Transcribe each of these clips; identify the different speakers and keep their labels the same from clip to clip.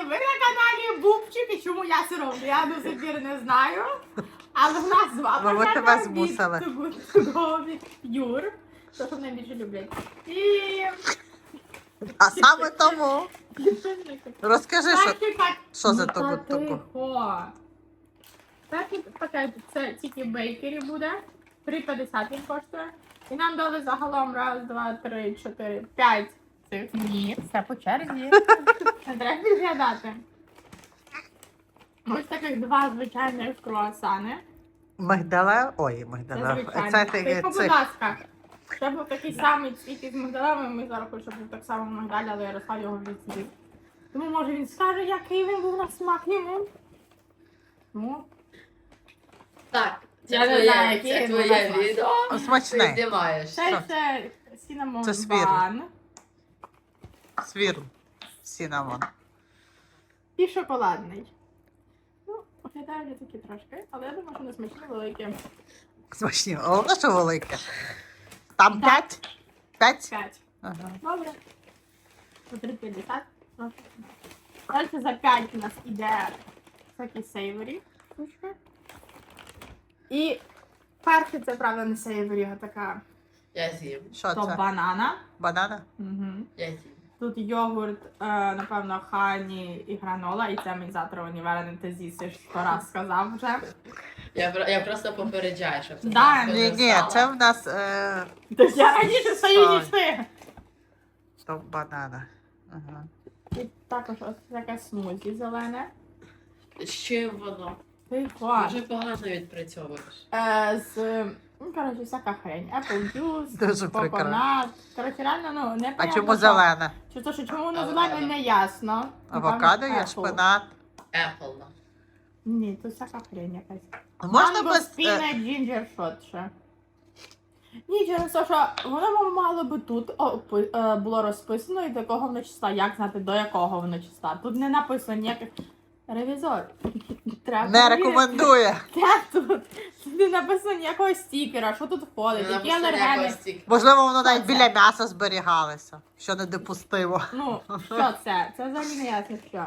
Speaker 1: ви на каналі Бубчик, і чому я це роблю, я до сих пір не знаю. Але в нас з вами
Speaker 2: Ми тебе змусили.
Speaker 1: від Юр, то, що найбільше люблять. І...
Speaker 2: А саме тому розкажи, що за тобі таке.
Speaker 1: Так, пакет, це тільки в бейкері буде. 3,50 він коштує. І нам дали загалом 1, 2, 3, 4, 5 цих. Ні, все по черзі. Не треба підглядати. Ось таких 2 звичайних круасани.
Speaker 2: Мигдале? Ой,
Speaker 1: Це
Speaker 2: мигдале.
Speaker 1: звичайно.
Speaker 2: Це
Speaker 1: Тільки, будь ласка, це був такий самий цвіт із мигдалами. Ми зараз хочемо, щоб був так само мигдаль, але Ярослав його відсидів. Тому, може, він скаже, який він був на смак йому. Ну.
Speaker 3: Так,
Speaker 1: Я не знаю, який
Speaker 3: це
Speaker 1: він
Speaker 3: твоє
Speaker 1: був.
Speaker 3: відео. Ти
Speaker 2: Смачне.
Speaker 3: знімаєш.
Speaker 1: Це cinnamon
Speaker 2: Це свірло.
Speaker 1: bun.
Speaker 2: Свірл. Сінамон.
Speaker 1: І шоколадний. Ну, виглядає вже такі трошки, але я думаю, що не смачні великі.
Speaker 2: Смачні. Головне, що велике. Там 5? 5?
Speaker 1: 5.
Speaker 2: Ага.
Speaker 1: Добре. По 3,50. Далі за 5 у нас іде такі сейворі штучки. І перше це, правда, не сейворі, а така
Speaker 3: Я з'їм.
Speaker 2: Що
Speaker 1: то
Speaker 2: це?
Speaker 1: банана.
Speaker 2: Банана?
Speaker 1: Угу.
Speaker 3: Я з'їм.
Speaker 1: Тут йогурт, напевно, хані і гранола, і це мій затраваний варений ти з'їсиш, 100 раз сказав вже.
Speaker 3: Я просто попереджаю, щоб це
Speaker 1: Да,
Speaker 3: не
Speaker 2: Ні,
Speaker 3: стало.
Speaker 2: це в нас
Speaker 1: Тож я раніше стою, ніж ти.
Speaker 2: то банана. Ага.
Speaker 1: І також ось таке смузі зелене.
Speaker 3: З чим воно?
Speaker 1: Ти клас.
Speaker 3: Дуже погано відпрацьовуєш.
Speaker 1: Ну, коротше, всяка хрень. Apple juice,
Speaker 2: Дуже прикро.
Speaker 1: коконат. Коротше, реально, ну, не
Speaker 2: А
Speaker 1: понятно,
Speaker 2: чому
Speaker 1: що.
Speaker 2: зелена?
Speaker 1: Чи то, що чому воно
Speaker 3: Авокадо.
Speaker 1: зелене, не ясно.
Speaker 2: Авокадо є,
Speaker 1: Apple.
Speaker 2: шпинат.
Speaker 3: Apple, да.
Speaker 1: Ні, тут всяка хрень якась.
Speaker 2: Можна
Speaker 1: Манго,
Speaker 2: без...
Speaker 1: спінат, джинджер шот ще. Ні, через те, що воно мало би тут було розписано і до якого воно числа. Як знати, до якого воно числа? Тут не написано ніяких... Ревізор. Треба
Speaker 2: Не
Speaker 1: перевірити.
Speaker 2: рекомендує.
Speaker 1: Де тут? Тут не написано ніякого стікера, що тут входить, які алергени.
Speaker 2: Можливо, воно навіть
Speaker 1: це?
Speaker 2: біля м'яса зберігалося, що недопустимо.
Speaker 1: Ну, що це? Це взагалі не ясно що.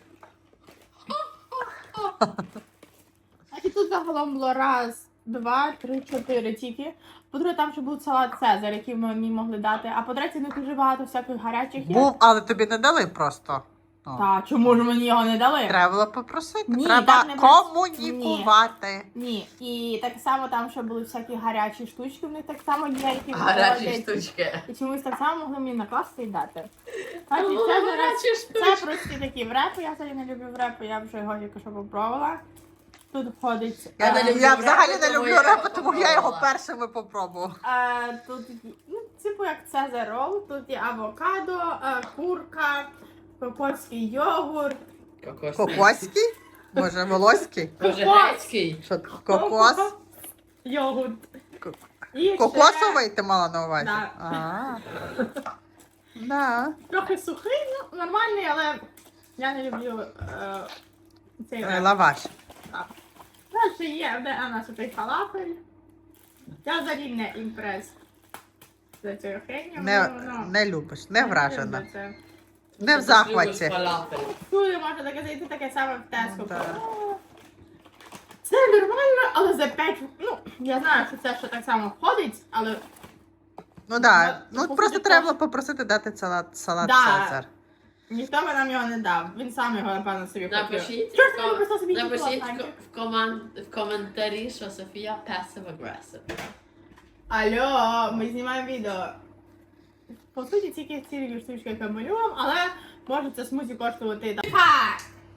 Speaker 1: І тут загалом було 1, 2, 3, 4 тільки. По-друге, там ще був салат Цезар, який ми могли дати. А по-третє, не дуже багато всяких гарячих є.
Speaker 2: Був, але тобі не дали просто. Ну,
Speaker 1: Та, чому ж мені його не дали?
Speaker 2: треба було попросити.
Speaker 1: Ні,
Speaker 2: Треба
Speaker 1: так не
Speaker 2: комунікувати.
Speaker 1: Ні. І так само там ще були всякі гарячі штучки, в них так само є, які
Speaker 3: Гарячі
Speaker 1: виходять.
Speaker 3: штучки.
Speaker 1: І чомусь так само могли мені накласти і дати. Значить,
Speaker 3: Ну,
Speaker 1: це,
Speaker 3: гарячі штучки.
Speaker 1: це прості такі врепи, я взагалі не люблю врепи, я вже його тільки що попробувала. Тут входить...
Speaker 3: Я не люблю
Speaker 2: Я взагалі
Speaker 3: репу,
Speaker 2: не
Speaker 3: тому
Speaker 2: люблю
Speaker 3: я
Speaker 2: репу,
Speaker 3: його
Speaker 2: тому я його
Speaker 3: попробувала.
Speaker 2: першими попробував.
Speaker 1: Тут, ну, типу як Цезар рол, тут є авокадо, курка, кокосський йогурт.
Speaker 2: Кокоський? Може, волоський?
Speaker 3: Може, грецький?
Speaker 2: Що, кокос?
Speaker 1: Йогурт.
Speaker 2: Ко-
Speaker 1: І ще
Speaker 2: Кокосовий ти мала на увазі?
Speaker 1: Да.
Speaker 2: А. Да.
Speaker 1: трохи сухий, ну, нормальний, але я не люблю цей реп.
Speaker 2: Лаваш.
Speaker 1: Далі є, де у нас отий фалафель. Я взагалі не імпрес за цією хренью.
Speaker 2: Не любиш, не вражена.
Speaker 1: люблю це.
Speaker 2: Не в
Speaker 3: Ти
Speaker 2: захваті.
Speaker 3: любиш фалафель.
Speaker 1: Туди можна таке зайти таке саме в Теско.
Speaker 2: Да.
Speaker 1: Це нормально, але за 5, ну, я знаю, що це ще так само входить, але
Speaker 2: Ну так,
Speaker 1: Ну,
Speaker 2: ну просто треба було попросити дати салат
Speaker 1: Да.
Speaker 2: Цезар.
Speaker 1: ніхто би нам його не дав. Він сам його, напевно, собі купив.
Speaker 3: Напишіть,
Speaker 1: Чого ж ти не просто собі
Speaker 3: напишіть
Speaker 1: купила,
Speaker 3: в коментарі, що Софія passive-aggressive.
Speaker 1: Алло, ми знімаємо відео. По суті, тільки ці штучки, які ми любимо, але може це смузі коштувати. Ха!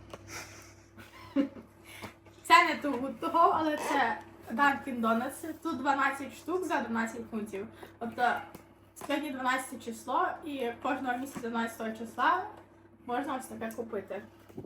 Speaker 1: Це не того, але це Dunkin' Donuts. Тут 12 штук за 12 фунтів. Тобто сьогодні 12 число і кожного місяця 12 числа можна ось таке купити.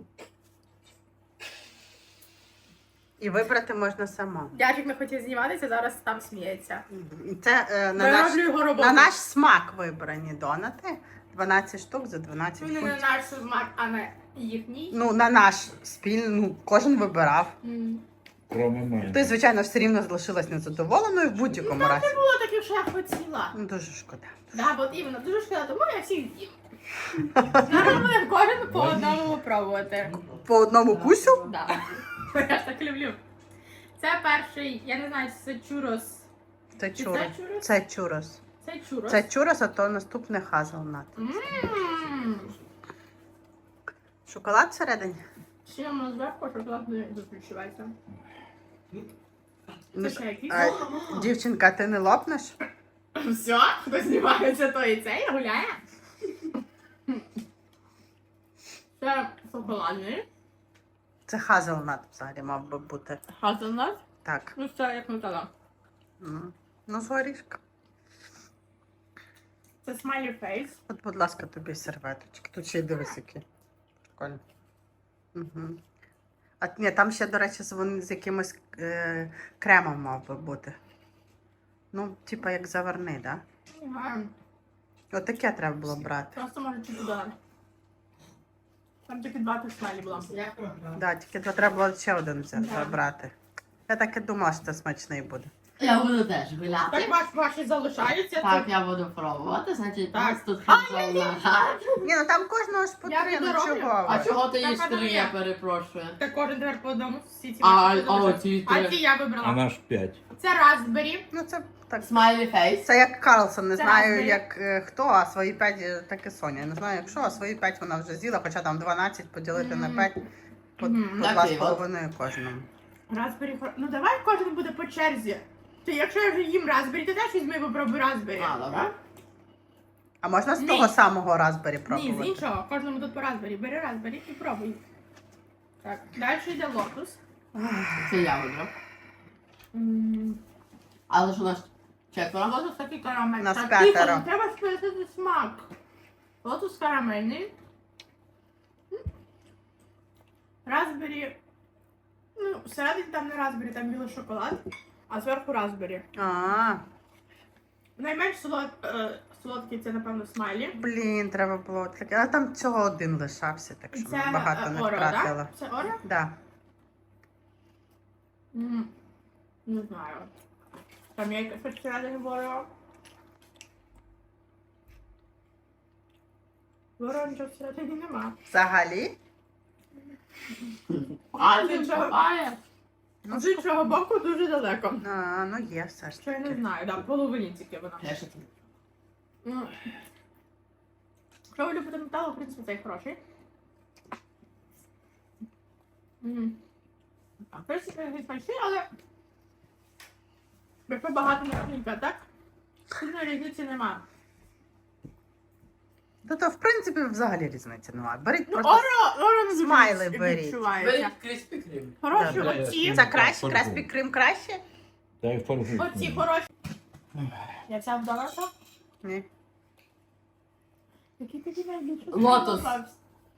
Speaker 2: І вибрати можна сама.
Speaker 1: Дядьик не хотів зніматися, зараз там сміється.
Speaker 2: Це
Speaker 1: Вироблю його роботу.
Speaker 2: на наш смак вибрані донати. 12 штук за 12
Speaker 1: Вони не
Speaker 2: фунтів.
Speaker 1: наш смак, а не їхній.
Speaker 2: Ну, на наш спільний, ну, кожен вибирав.
Speaker 4: Кроме мене.
Speaker 2: Ти, звичайно, все рівно залишилась незадоволеною в будь-якому разі.
Speaker 1: Не було таких, що я хотіла.
Speaker 2: Ну, дуже шкода.
Speaker 1: Да, от іменно, дуже шкода, тому я всіх з'їм. Зараз ми кожен по одному попробувати.
Speaker 2: По одному кусю?
Speaker 1: Да. Я ж так люблю. Це перший, я не знаю, це чурос.
Speaker 2: Це
Speaker 1: Чи
Speaker 2: чурос.
Speaker 1: це чурос?
Speaker 2: Це чурос.
Speaker 1: Це чурос.
Speaker 2: Це чурос, а то наступне хазелнат.
Speaker 1: Ммм.
Speaker 2: Шоколад всередині?
Speaker 1: Ще воно зверху шоколад не відчувається.
Speaker 2: Ну,
Speaker 1: Це ще якийсь?
Speaker 2: дівчинка, ти не лопнеш?
Speaker 1: Все, хто знімається, то і це і гуляє. Це шоколадний.
Speaker 2: Це хазелнат взагалі мав би бути.
Speaker 1: Хазанат.
Speaker 2: Так.
Speaker 1: Ну це як нутелла.
Speaker 2: Ну, з горішка.
Speaker 1: Це смайлі фейс.
Speaker 2: От, будь ласка, тобі серветочки. Тут ще й дивись які. Прикольно. Угу. А ні, там ще, до речі, вони з якимось кремом мав би бути. Ну, типа як заварний, так?
Speaker 1: Ага.
Speaker 2: Да? Отаке треба було брати.
Speaker 1: Просто може чуть туди. Там тільки 2 смайлі було.
Speaker 2: Да, тільки то треба було ще один взяти, брати. Я так і думала, що це смачний буде.
Speaker 3: Я буду теж гуляти.
Speaker 1: Так ваші залишаються.
Speaker 3: Так,
Speaker 1: це-
Speaker 3: я буду пробувати, значить,
Speaker 1: Так.
Speaker 3: нас тут хазална.
Speaker 2: Ні, ну там кожного ж по
Speaker 1: Я
Speaker 2: 3, ну
Speaker 1: відроблю.
Speaker 2: чого
Speaker 3: А
Speaker 2: ви?
Speaker 3: чого ти
Speaker 1: Так,
Speaker 3: їш
Speaker 1: а
Speaker 3: 3,
Speaker 1: я.
Speaker 3: я перепрошую.
Speaker 1: Та кожен тепер по одному всі ці
Speaker 3: А,
Speaker 1: ваші залишаються.
Speaker 3: ці
Speaker 1: А
Speaker 3: три.
Speaker 1: ці я
Speaker 4: А
Speaker 1: вибрала.
Speaker 4: наш 5.
Speaker 1: Це Raspberry.
Speaker 2: Ну це так.
Speaker 3: Смайлі фейс.
Speaker 2: Це як Карлсон, не
Speaker 1: Це
Speaker 2: знаю
Speaker 1: Raspberry.
Speaker 2: як хто, а свої 5, так і Соня. Не знаю як що, а свої 5 вона вже з'їла, хоча там 12 поділити на 5 по,
Speaker 1: Мгм.
Speaker 2: по
Speaker 3: Такий
Speaker 2: 2,5 кожному.
Speaker 1: Raspberry. Ну давай кожен буде по черзі. Ти якщо я вже їм Raspberry, ти теж візьми і попробуй Raspberry.
Speaker 3: А, добре.
Speaker 2: А можна з
Speaker 1: Ні.
Speaker 2: того самого Raspberry
Speaker 1: Ні,
Speaker 2: пробувати?
Speaker 1: з іншого. Кожному тут по Raspberry. Бери Raspberry і пробуй. Так, далі йде лотус.
Speaker 3: Це я вибрав. Але ж у нас четверо.
Speaker 1: Лотус такий карамельний.
Speaker 2: Нас
Speaker 1: Так,
Speaker 2: п'ятеро.
Speaker 1: тихо, не треба списати смак. Лотус карамельний. Raspberry. Ну, всередині там не Raspberry, там білий шоколад, а зверху Raspberry.
Speaker 2: А,
Speaker 1: Найменш солодкий це, напевно, смайлі.
Speaker 2: блін, треба було таке. А там цього один лишався, так що
Speaker 1: Це
Speaker 2: багато не
Speaker 1: Орео,
Speaker 2: втратила.
Speaker 1: так? Це Орео?
Speaker 2: Да.
Speaker 1: Не знаю. Там є якась всередині в Орео. В Орео нічого всередині нема.
Speaker 2: Взагалі?
Speaker 3: А,
Speaker 1: З
Speaker 3: він
Speaker 1: іншого-
Speaker 3: шукає.
Speaker 2: Ну,
Speaker 1: З іншого боку дуже далеко.
Speaker 2: А, ну є все ж
Speaker 1: Що я не
Speaker 2: таки.
Speaker 1: знаю, так, половині тільки вона.
Speaker 3: Я ще тут.
Speaker 1: Ну, якщо ви любите метал, в принципі, цей хороший. В принципі, він смачний, але якщо багато наклейка, так? Сильної різниці немає.
Speaker 2: То в принципі взагалі різниці немає. Беріть
Speaker 1: Ну,
Speaker 2: просто.
Speaker 1: Орео не дуже
Speaker 2: смайли беріть.
Speaker 1: відчувається.
Speaker 3: Беріть Кріспі Крім.
Speaker 1: Хороші
Speaker 2: Да,
Speaker 1: оці.
Speaker 2: Це краще,
Speaker 4: Так,
Speaker 2: Краспі Крим краще?
Speaker 4: Та й фарбуй.
Speaker 1: Оці хороші. Я взяв доларка.
Speaker 2: Ні.
Speaker 1: Який тобі найбільше
Speaker 3: Лотос.
Speaker 1: сподобався?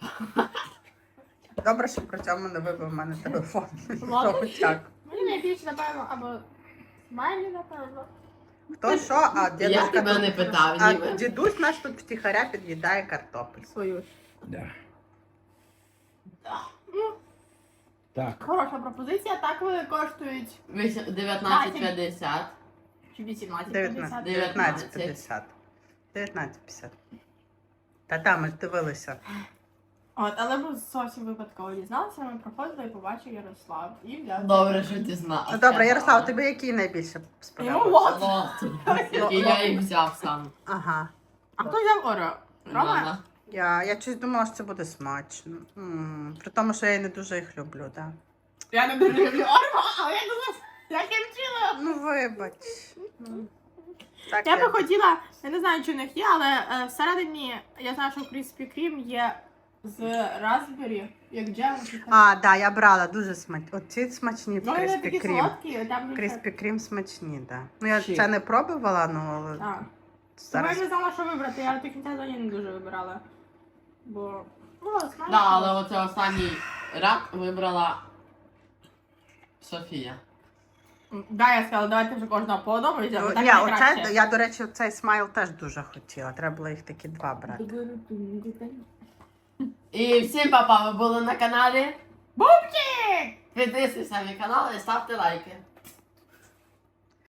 Speaker 2: Добре, що при цьому не вибив в мене телефон.
Speaker 1: Ладно.
Speaker 2: Так.
Speaker 1: Мені найбільше, напевно, або смайлі, напевно.
Speaker 2: Хто що, а
Speaker 3: Я
Speaker 2: дідусь
Speaker 3: тебе не питав,
Speaker 2: а
Speaker 3: ніби.
Speaker 2: дідусь наш тут втіхаря під'їдає картопель.
Speaker 1: Свою ж.
Speaker 4: Да.
Speaker 1: Ну,
Speaker 4: Так.
Speaker 1: хороша пропозиція. Так вони коштують
Speaker 3: 19,50.
Speaker 1: чи 18,50.
Speaker 2: 19,50. 19,50. Та там ми ж дивилися.
Speaker 1: От, але ми зовсім випадково дізналися, ми проходили і побачив Ярослав. І взяв.
Speaker 3: Добре, що ти знав.
Speaker 2: Ну добре, Ярослав, тобі який найбільше
Speaker 1: Йому
Speaker 2: сподобався?
Speaker 1: лот.
Speaker 3: І я їх взяв сам.
Speaker 2: Ага.
Speaker 1: А хто взяв Орео? Рома?
Speaker 3: Мама.
Speaker 2: Я щось думала, що це буде смачно. При тому, що я не дуже їх люблю, так.
Speaker 1: Я не дуже люблю Орео, але я думала, я кінчила.
Speaker 2: Ну вибач. Ну, так
Speaker 1: Я би хотіла, я не знаю, чи в них є, але всередині я знаю, що Krispy Kreme є з Raspberry, як джем.
Speaker 2: А, да, я брала дуже смачні. Оці смачні в
Speaker 1: Ну, вони
Speaker 2: Krispy
Speaker 1: такі
Speaker 2: Kreme.
Speaker 1: солодкі, там
Speaker 2: Krispy Kreme смачні, так. Да. Ну я
Speaker 3: Чи?
Speaker 2: це не пробувала, ну але
Speaker 1: Так. Тому
Speaker 2: зараз.
Speaker 1: я не знала, що вибрати, я до кінця зоні не дуже вибирала. Бо, ну, смачно.
Speaker 3: Да, але оце останній ряд вибрала Софія.
Speaker 1: Да, я сказала, давайте вже кожного по одному візьмемо.
Speaker 2: Ну,
Speaker 1: Так
Speaker 2: ні,
Speaker 1: найкраще.
Speaker 2: оце, я, до речі, цей смайл теж дуже хотіла. Треба було їх такі два брати.
Speaker 3: І всім папа, ви були на каналі.
Speaker 1: Бубчик!
Speaker 3: Підписуйтесь на мій канал і ставте лайки.